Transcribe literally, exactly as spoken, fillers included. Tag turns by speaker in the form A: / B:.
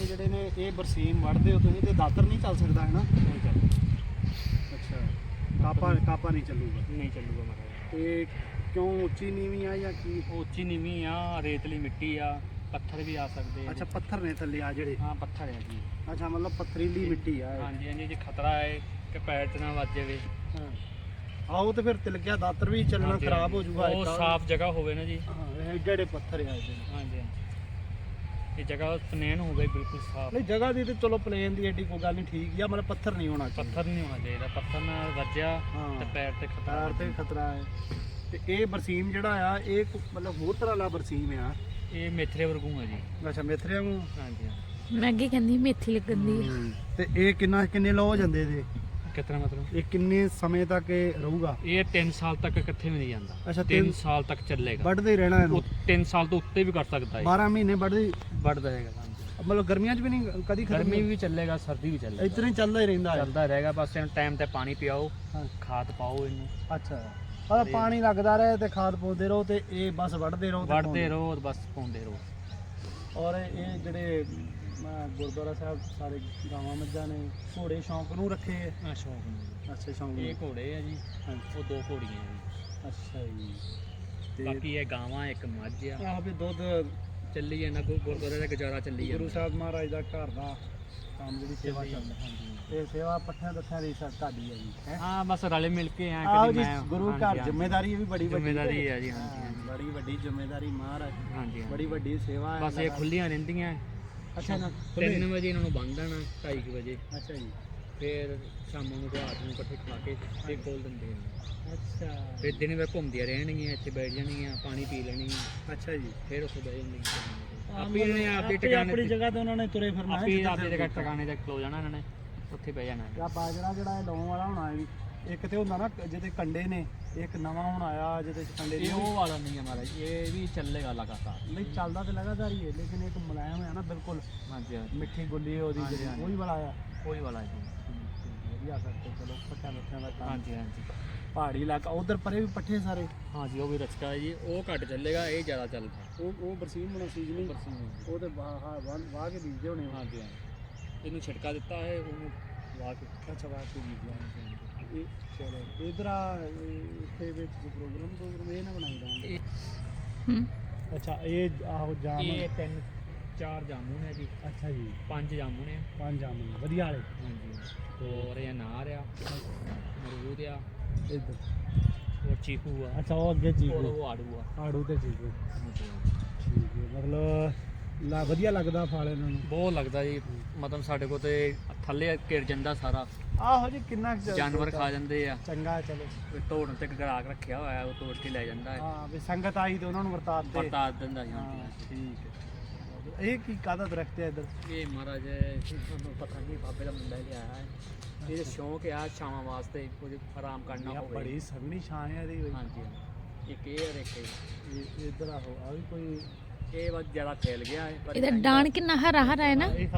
A: ਜਿਹੜੇ ਨੇ ਇਹ ਬਰਸੀਮ ਵੱਢਦੇ ਹੋ ਤੁਸੀਂ ਤੇ ਦਾਤਰ ਨਹੀਂ ਚੱਲ ਸਕਦਾ ਹੈ ਨਾ?
B: ਨਹੀਂ ਚੱਲ
A: ਅੱਛਾ, ਕਾਪਾ ਕਾਪਾ ਨਹੀਂ ਚੱਲੂਗਾ।
B: ਨਹੀਂ ਚੱਲੂਗਾ ਮਹਾਰਾਜ।
A: ਤੇ ਕਿਉਂ ਉੱਚੀ ਨੀਵੀਂ ਆ ਜਾਂ ਕੀ?
B: ਉਹ ਉੱਚੀ ਨੀਵੀਂ ਆ, ਰੇਤਲੀ ਮਿੱਟੀ ਆ, ਪੱਥਰ ਵੀ ਆ ਸਕਦੇ ਆ।
A: ਅੱਛਾ, ਪੱਥਰ ਨੇ ਥੱਲੇ ਆ ਜਿਹੜੇ?
B: ਹਾਂ ਪੱਥਰ ਆ ਜੀ।
A: ਅੱਛਾ, ਮਤਲਬ ਪੱਥਰੀਲੀ ਮਿੱਟੀ ਆ ਇਹ।
B: ਹਾਂਜੀ ਹਾਂਜੀ, ਜੇ ਖਤਰਾ ਹੈ ਕਿ ਪੈਰ 'ਚ ਨਾ ਵੱਜ ਜਾਵੇ।
A: ਹਾਂ, ਆਓ ਤੇ ਫਿਰ ਤਿਲਕਿਆ ਦਾਤਰ ਵੀ ਚੱਲਣਾ
B: ਹਾਂਜੀ,
A: ਖਰਾਬ ਹੋ ਜਾਊਗਾ।
B: ਉਹ ਸਾਫ਼ ਜਗ੍ਹਾ ਹੋਵੇ ਨਾ ਜੀ।
A: ਹਾਂ, ਇਹ ਜਿਹੜੇ ਪੱਥਰ ਆ ਇਹਦੇ।
B: ਹਾਂਜੀ ਹਾਂਜੀ, ਇਹ ਜਗ੍ਹਾ ਪਲੇਨ ਹੋਵੇ ਬਿਲਕੁਲ ਸਾਫ਼।
A: ਨਹੀਂ, ਜਗ੍ਹਾ ਦੀ ਤੇ ਚਲੋ ਪਲੇਨ ਦੀ ਐਡੀ ਕੋਈ ਗੱਲ ਨਹੀਂ, ਠੀਕ ਆ, ਮਤਲਬ ਪੱਥਰ ਨਹੀਂ ਹੋਣਾ ਚਾਹੀਦਾ।
B: ਪੱਥਰ ਨਹੀਂ ਹੋਣਾ ਚਾਹੀਦਾ, ਪੱਥਰ ਨਾਲ ਵੱਜਿਆ
A: ਹਾਂ,
B: ਤੇ ਪੈਰ ਤੇ ਖਤਰਾ।
A: ਪੈਰ ਤੇ ਖਤਰਾ ਹੈ। ਤੇ ਇਹ ਬਰਸੀਮ ਜਿਹੜਾ ਆ ਇਹ ਕੋ- ਮਤਲਬ ਹੋਰ ਤਰ੍ਹਾਂ ਦਾ ਬਰਸੀਮ ਆ?
B: ਇਹ ਮੇਥਰੇ ਵਰਗੂ ਆ ਜੀ।
A: ਅੱਛਾ, ਮੇਥਰਿਆਂ ਨੂੰ।
B: ਹਾਂਜੀ ਹਾਂਜੀ।
C: ਮੈਂ ਅੱਗੇ ਕਹਿੰਦੀ ਮੇਥੀ ਲੱਗਣ ਦੀ ਆ।
A: ਤੇ ਇਹ ਕਿੰਨਾ ਕਿੰਨੇ ਲੋ ਹੋ ਜਾਂਦੇ ਇਹਦੇ?
B: ਕਿਤਨਾ ਮਤਲਬ
A: ਇਹ ਕਿੰਨੇ ਸਮੇਂ ਤੱਕ ਇਹ ਰਹੂਗਾ?
B: ਇਹ ਤਿੰਨ ਸਾਲ ਤੱਕ ਇਕੱਠੇ ਵੀ ਨਹੀਂ ਜਾਂਦਾ।
A: ਅੱਛਾ,
B: ਤਿੰਨ
A: ਤਿੰਨ
B: ਸਾਲ ਤੱਕ ਚੱਲੇਗਾ।
A: ਵੱਢਦੇ ਹੀ ਰਹਿਣਾ ਇਹਨੂੰ?
B: ਉਹ ਤਿੰਨ ਸਾਲ ਤੋਂ ਉੱਤੇ ਵੀ ਕਰ ਸਕਦਾ ਹੈ।
A: ਬਾਰਾਂ ਮਹੀਨੇ ਵੱਢਦੇ
B: ਵੱਢਦਾ ਰਹੇਗਾ। ਹਾਂਜੀ,
A: ਮਤਲਬ ਗਰਮੀਆਂ 'ਚ ਵੀ ਨਹੀਂ ਕਦੀ ਖਤਮ?
B: ਗਰਮੀ ਵੀ ਚੱਲੇਗਾ, ਸਰਦੀ ਵੀ ਚੱਲੇਗਾ,
A: ਇਤਨਾ ਹੀ ਚੱਲਦਾ ਹੀ ਰਹਿੰਦਾ ਹੈ?
B: ਚੱਲਦਾ ਰਹੇਗਾ। ਬਸ ਇਹਨੂੰ ਟਾਈਮ ਤੇ ਪਾਣੀ ਪਿਆਓ,
A: ਹਾਂ।
B: ਖਾਦ ਪਾਓ ਇਹਨੂੰ।
A: ਅੱਛਾ, ਆ ਪਾਣੀ ਲੱਗਦਾ ਰਹੇ ਤੇ ਖਾਦ ਪਾਉਂਦੇ ਰਹੋ ਤੇ ਇਹ ਬਸ ਵੱਢਦੇ ਰਹੋ ਤੇ
B: ਵੱਢਦੇ
A: ਪਾਉਂਦੇ
B: ਰਹੋ, ਬਸ ਪਾਉਂਦੇ ਰਹੋ।
A: ਔਰ ਇਹ ਜਿਹੜੇ ਅਮ, ਗੁਰਦੁਆਰਾ ਸਾਹਿਬ ਸਾਰੇ ਗਾਵਾਂ ਮੱਝਾਂ ਨੇ, ਘੋੜੇ ਸ਼ੌਂਕ ਨੂੰ ਰੱਖੇ ਹੈ?
B: ਆ ਸ਼ੌਂਕ ਨੂੰ।
A: ਅੱਛਾ, ਸ਼ੌਂਕ
B: ਇਹ
A: ਨੂੰ।
B: ਘੋੜੇ ਆ ਜੀ,
A: ਹਾਂਜੀ,
B: ਉਹ ਦੋ ਘੋੜੀਆਂ ਜੀ।
A: ਅੱਛਾ ਜੀ। ਤੇ
B: ਬਾਕੀ ਇਹ ਗਾਵਾਂ, ਇੱਕ ਮੱਝ ਆ।
A: ਆਹ ਵੀ ਦੁੱਧ
B: ਚੱਲੀ ਜਾਂਦਾ, ਗੁ- ਗੁਰਦੁਆਰੇ ਦਾ ਗੁਜ਼ਾਰਾ ਚੱਲੀ ਜਾਂਦਾ।
A: ਗੁਰੂ ਸਾਹਿਬ ਮਹਾਰਾਜ ਦਾ ਘਰ ਦਾ ਕੰਮ ਜਿਹੜੀ ਸੇਵਾ
B: ਚੱਲੀ
A: ਚੱਲਦਾ।
B: ਹਾਂਜੀ।
A: ਇਹ ਸੇਵਾ ਪੱਠਿਆਂ ਦੱਥਿਆਂ ਦੀ ਸਾ ਤੁਹਾਡੀ ਹੈ ਜੀ, ਹੈਂ?
B: ਹਾਂ ਬਸ ਰਲੇ ਮਿਲ ਕੇ ਆ।
A: ਆਹੋ
B: ਕਦੀ
A: ਜੀ,
B: ਮੈਂ
A: ਗੁਰੂ
B: ਹਾਂਜੀ,
A: ਘਰ
B: ਹਾਂਜੀ।
A: ਜ਼ਿੰਮੇਵਾਰੀ ਵੀ ਬੜੀ ਵੱਡੀ
B: ਜ਼ਿੰਮੇਵਾਰੀ ਹੈ ਜੀ।
A: ਹਾਂ,
B: ਹਾਂਜੀ ਹਾਂਜੀ
A: ਬੜੀ ਵੱਡੀ ਜ਼ਿੰਮੇਵਾਰੀ ਮਹਾਰਾਜ,
B: ਹਾਂਜੀ
A: ਬੜੀ
B: ਹਾਂਜੀ।
A: ਵੱਡੀ ਸੇਵਾ ਹੈ।
B: ਬਸ ਇਹ ਖੁੱਲੀਆਂ ਰਹਿੰਦੀਆਂ।
A: ਅੱਛਾ ਨਾ,
B: ਤਿੰਨ ਵਜੇ ਇਹਨਾਂ ਨੂੰ ਬੰਨ ਦੇਣਾ, ਢਾਈ ਕੁ ਵਜੇ।
A: ਅੱਛਾ ਜੀ।
B: ਫਿਰ ਸ਼ਾਮਾਂ ਨੂੰ ਰਾਤ ਨੂੰ ਇਕੱਠੇ ਖਾ ਕੇ ਤੇ ਖੋਲ ਦਿੰਦੇ ਨੇ।
A: ਅੱਛਾ,
B: ਫਿਰ ਦਿਨ ਵੇ ਘੁੰਮਦੀਆਂ ਰਹਿਣਗੀਆਂ, ਇੱਥੇ ਬੈਠ ਜਾਣਗੀਆਂ, ਪਾਣੀ ਪੀ ਲੈਣਗੀਆਂ,
A: ਅੱਛਾ ਜੀ।
B: ਫਿਰ ਉੱਥੇ ਬਹਿ ਜਾਣਗੀਆਂ। ਆਪੀ
A: ਮਤਲਬ
B: ਇਹਨੇ ਆਪੇ
A: ਆਪੇ
B: ਟਿਕਾਣੇ
A: ਆਪਣੀ ਜਗ੍ਹਾ ਤੇ ਉਹਨਾਂ ਨੇ ਤੁਰੇ ਫਿਰਨਾ ਹੈ।
B: ਆਪੀ
A: ਜਿੱਦਾਂ
B: ਆਪੇ
A: ਫਿਰ
B: ਜਗ੍ਹਾ ਟਿਕਾਣੇ ਤੇ ਖਲੋ ਜਾਣਾ ਇਹਨਾਂ ਨੇ, ਉੱਥੇ ਬਹਿ ਜਾਣਾ।
A: ਆ ਬਾਜਰਾ ਜਿਹੜਾ ਇਹ ਲਾਉਣ ਵਾਲਾ ਹੋਣਾ, ਇਹ ਵੀ ਇੱਕ ਤੇ ਹੁੰਦਾ ਨਾ ਜਿਹਦੇ ਕੰਡੇ ਨੇ, ਇੱਕ ਨਵਾਂ ਹੁਣ ਆਇਆ ਜਿਹਦੇ ਚ ਕੰਡੇ
B: ਇਹ
A: ਨਹੀਂ।
B: ਉਹ ਵਾਲਾ ਨਹੀਂ ਹੈ ਮਹਾਰਾਜ, ਇਹ ਵੀ ਚੱਲੇਗਾ ਲਗਾਤਾਰ।
A: ਨਹੀਂ, ਚੱਲਦਾ ਤੇ ਲਗਾਤਾਰ ਹੀ ਹੈ, ਲੇਕਿਨ ਇੱਕ ਮੁਲਾਇਮ ਹੈ ਨਾ ਬਿਲਕੁਲ,
B: ਹਾਂਜੀ ਹਾਂਜੀ,
A: ਮਿੱਠੀ ਗੁੱਲੀ ਉਹਦੀ
B: ਹਾਂਜੀ,
A: ਜਿਹੜੀ,
B: ਹਾਂਜੀ।
A: ਉਹੀ ਵਾਲਾ ਆ।
B: ਕੋਈ ਵਾਲਾ ਜੀ।
A: ਵਧੀਆ ਕਰਕੇ ਚਲੋ, ਪੱਠਿਆਂ ਪੱਠਿਆਂ ਦਾ ਕੰਮ।
B: ਹਾਂਜੀ ਹਾਂਜੀ
A: ਪਹਾੜੀ ਇਲਾਕਾ, ਉਧਰ ਪਰੇ ਵੀ ਪੱਠੇ ਸਾਰੇ?
B: ਹਾਂਜੀ, ਉਹ ਵੀ ਰਚਕਾ ਹੈ ਜੀ। ਉਹ ਘੱਟ ਚੱਲੇਗਾ, ਇਹ ਜ਼ਿਆਦਾ ਚੱਲਦਾ।
A: ਉਹ ਉਹ ਬਰਸੀਮ ਹੋਣਾ ਸੀਜ਼ਨ ਹੀ, ਉਹ ਤੇ ਵਾਹ ਹਾਂ ਵਾਹ ਵਾਹ ਕੇ ਬੀਜਦੇ ਹੋਣੇ।
B: ਹਾਂਜੀ ਹਾਂਜੀ, ਇਹਨੂੰ ਛਿੜਕਾ ਦਿੱਤਾ ਹੈ, ਉਹਨੂੰ ਲਾ ਕੇ।
A: ਅੱਛਾ, ਵਾਹ ਕੇ ਬੀਜਦੇ। ਇਹ ਚਲੋ ਇਧਰ ਆ, ਇਹ ਇੱਥੇ ਵਿੱਚ ਪ੍ਰੋਗਰਾਮ ਪ੍ਰੋਗਰਾਮ ਇਹ ਨਾ ਬਣਾਈ ਜਾਣ।
B: ਇਹ
C: ਹੂੰ।
A: ਅੱਛਾ, ਇਹ ਆਹੋ ਜਾਮ।
B: ਇਹ ਤਿੰਨ ਚਾਰ ਜਾਮੁਨ ਹੈ ਜੀ।
A: ਅੱਛਾ ਜੀ,
B: ਪੰਜ ਜਾਮੁਨ ਹੈ।
A: ਪੰਜ ਜਾਮ ਵਧੀਆ ਵਾਲੇ।
B: ਹਾਂਜੀ, ਹੋਰ ਇਹ ਅਨਾਰ ਆ, ਅਮਰੂਦ ਆ,
A: ਇੱਧਰ।
B: ਹੋਰ ਚੀਕੂ ਆ।
A: ਅੱਛਾ, ਉਹ ਅੱਗੇ
B: ਹੋਰ
A: ਚੀਕੂ,
B: ਉਹ ਆੜੂ ਆ।
A: ਆੜੂ ਤੇ ਚੀਕੂ।
B: ਹਾਂਜੀ।
A: ਠੀਕ ਹੈ, ਮਤਲਬ ਲਾ ਵਧੀਆ ਲੱਗਦਾ ਫਲ ਇਹਨਾਂ ਨੂੰ?
B: ਬਹੁਤ ਲੱਗਦਾ ਜੀ, ਮਤਲਬ ਸਾਡੇ ਕੋਲ ਤੇ ਥੱਲੇ ਘਿਰ ਜਾਂਦਾ ਸਾਰਾ,
A: ਆਹੋ ਜੀ, ਕਿੰਨਾ ਕੁ
B: ਜਾਨਵਰ ਖਾ ਜਾਂਦੇ ਆ।
A: ਚੰਗਾ, ਚਲੋ।
B: ਕੋਈ ਤੋੜਨ ਤੇ ਗਰਾਕ ਰੱਖਿਆ ਹੋਇਆ, ਉਹ ਤੋੜ ਕੇ ਲੈ ਜਾਂਦਾ ਹੈ,
A: ਹਾਂ, ਵੀ ਸੰਗਤ ਆਈ ਤੇ ਉਹਨਾਂ ਨੂੰ ਵਰਤਾ ਦਿੱਤੇ।
B: ਵਰਤਾ ਦਿੰਦਾ ਜੀ।
A: ਹਾਂ,
B: ਹਾਂਜੀ।
A: ਠੀਕ ਹੈ। ਇਹ ਕੀ ਕਾਹਦਾ ਦਰਖਤ ਹੈ ਇੱਧਰ?
B: ਇਹ ਮਹਾਰਾਜ ਤੁਹਾਨੂੰ ਪਤਾ ਨਹੀਂ, ਬਾਬੇ ਦਾ ਮੁੰਡਾ ਲਿਆਇਆ ਹੈ। ਇਹ ਸ਼ੌਂਕ ਆ ਛਾਵਾਂ ਵਾਸਤੇ, ਕੁਝ ਆਰਾਮ ਕਰਨਾ
A: ਇਹ
B: ਹੋਵੇ।
A: ਬੜੀ ਸੋਹਣੀ ਛਾਂ ਹੈ ਇਹਦੀ ਬਈ।
B: ਹਾਂਜੀ, ਇੱਕ ਇਹ ਔਰ ਇੱਕ ਇਹ।
A: ਇਹ ਇੱਧਰ ਆਹੋ, ਆ ਵੀ ਕੋਈ
B: ਇਹ ਬਸ ਜ਼ਿਆਦਾ ਫੈਲ ਗਿਆ ਹੈ, ਪਰ
C: ਇਹਦਾ ਡਾਣ ਕਿੰਨਾ ਹਰਾ ਹਰਾ ਹੈ ਨਾ।
A: ਇਹ